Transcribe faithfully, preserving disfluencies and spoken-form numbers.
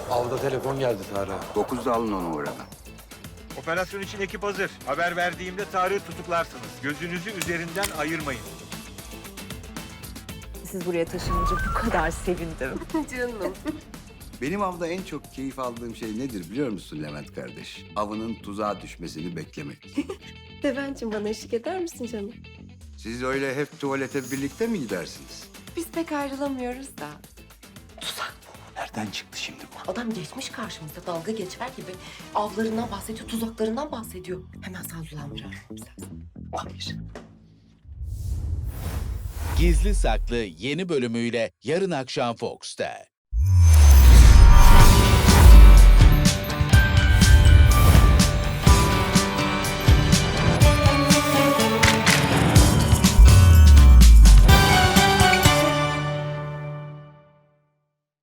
Avda telefon geldi Tarık'a. Dokuzda alın onu oradan. Operasyon için ekip hazır. Haber verdiğimde Tarık'ı tutuklarsınız. Gözünüzü üzerinden ayırmayın. Siz buraya taşınınca bu kadar sevindim. Canım. Benim avda en çok keyif aldığım şey nedir biliyor musun Levent kardeş? Avının tuzağa düşmesini beklemek. Devencim bana eşlik eder misin canım? Siz öyle hep tuvalete birlikte mi gidersiniz? Biz pek ayrılamıyoruz da. Nereden çıktı şimdi bu? Adam geçmiş karşımıza dalga geçer gibi avlarından bahsediyor, tuzaklarından bahsediyor. Hemen sağdulandırar. Hayır. Gizli Saklı yeni bölümüyle yarın akşam Fox'ta.